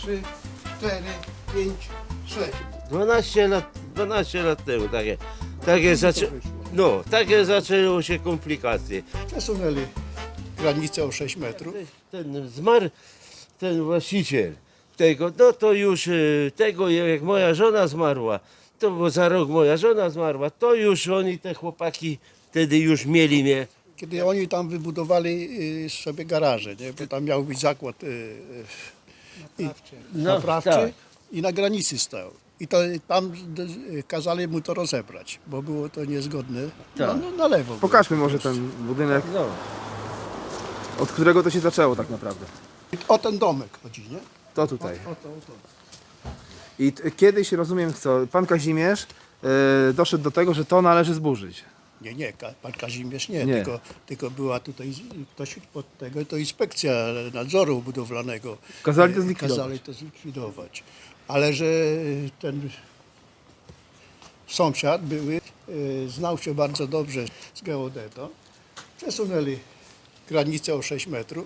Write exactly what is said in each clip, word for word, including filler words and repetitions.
trzy, cztery, pięć, sześć. dwanaście lat, dwanaście lat temu takie, takie, zaczę... no, takie zaczęły się komplikacje. Przesunęli granicę o sześć metrów. Ten zmarł, ten właściciel tego, no to już y, tego, jak moja żona zmarła, to bo za rok moja żona zmarła, to już oni, te chłopaki, wtedy już mieli mnie. Kiedy oni tam wybudowali y, sobie garaże, nie? Bo tam miał być zakład y, y, No, naprawczy tak. i na granicy stał. I to tam y, kazali mu to rozebrać, bo było to niezgodne. No, Tak. no, na lewo. było. Pokażmy może ten budynek, No. od którego to się zaczęło tak naprawdę. O ten domek chodzi, nie? To tutaj. O to, o to. I t- kiedyś, rozumiem co, pan Kazimierz e, doszedł do tego, że to należy zburzyć. Nie, nie, Ka- pan Kazimierz nie, Nie. Tylko, tylko była tutaj z- ktoś pod tego, to inspekcja nadzoru budowlanego. Kazali to e, zlikwidować. Kazali to zlikwidować. Ale że ten sąsiad były, e, znał się bardzo dobrze z geodetą, przesunęli granicę o sześć metrów,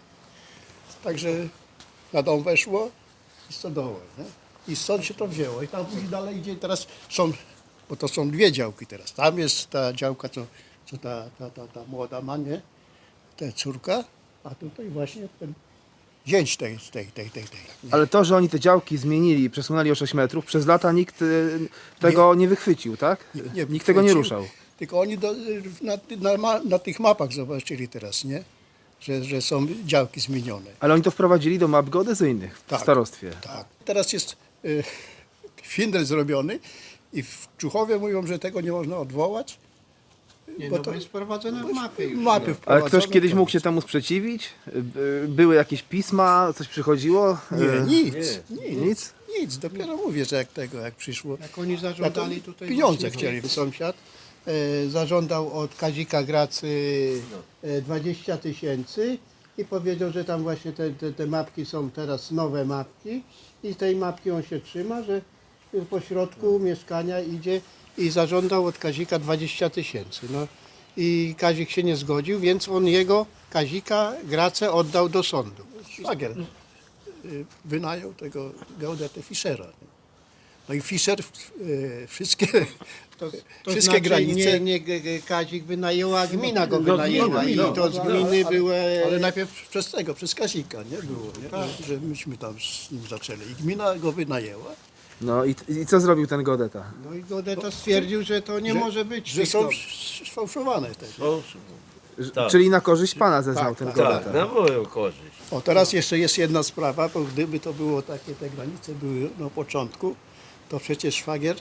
także na dom weszło i stodołę, nie? I stąd się to wzięło. I tam później dalej idzie, teraz są, bo to są dwie działki teraz. Tam jest ta działka, co, co ta, ta, ta, ta młoda ma, nie? Ta córka, a tutaj właśnie ten zięć tej, tej, tej, tej, tej. Ale to, że oni te działki zmienili, przesunęli o sześć metrów, przez lata nikt e, tego nie, wychwycił, tak? Nie nikt tego nie chwycił, ruszał. Tylko oni do, na, ty- na, ma- na tych mapach zobaczyli teraz, nie? Że, że są działki zmienione. Ale oni to wprowadzili do map geodezyjnych w Tak. starostwie. Tak. Teraz jest y, findel zrobiony i w Czuchowie mówią, że tego nie można odwołać. Nie, bo no to bo jest wprowadzone w mapie już. Mapy Ale wprowadzone, ktoś kiedyś to mógł się nic. temu sprzeciwić? By- Były jakieś pisma, coś przychodziło? Nie, E, nic, Nie. nic, Nic? nic. Dopiero mówię, że jak tego, jak przyszło. Jak oni Jak zażądali oni tutaj... pieniądze właśnie- chcieli. Sąsiad e, zażądał od Kazika Gracy e, dwadzieścia tysięcy i powiedział, że tam właśnie te, te, te mapki są teraz nowe mapki i tej mapki on się trzyma, że po środku mieszkania idzie i zażądał od Kazika dwadzieścia tysięcy. No i Kazik się nie zgodził, więc on jego, Kazika Gracę oddał do sądu. Szwagier y, wynajął tego geodetę Fischera. nie? No i Fischer y, wszystkie, To, to wszystkie znaczy granice. nie, nie G- G- Kazik wynajęła, a gmina go No, wynajęła gmina, i no, to z No, gminy ale, były... ale najpierw przez tego, przez Kazika, nie było, nie? Że myśmy tam z nim zaczęli. I gmina go wynajęła, No i, i co zrobił ten Godeta? No i Godeta stwierdził, że to nie że- może być. że tych są dom- sfałszowane te. O, Tak. Czyli na korzyść pana zeznał Tak, ten tak. Godeta. tak, na moją korzyść. O, teraz jeszcze jest jedna sprawa, bo gdyby to było takie, te granice były na początku, to przecież szwagier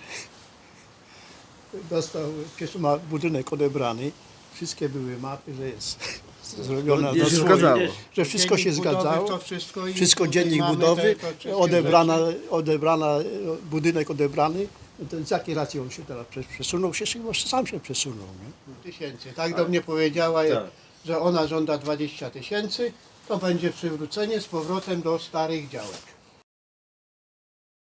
dostał, przecież ma budynek odebrany, wszystkie były mapy, że jest zrobiona No, na się swoje, zgadzało. że wszystko się Dziennik budowy, zgadzało, to wszystko, i wszystko tutaj dziennik mamy budowy, te- to wszystkie odebrana, rzeczy. odebrana, budynek odebrany, no to z jakiej racji on się teraz przes- przesunął? Się, chyba sam się przesunął, nie? Tysięcy. Tak do mnie powiedziała, Tak. że ona żąda dwadzieścia tysięcy, to będzie przywrócenie z powrotem do starych działek.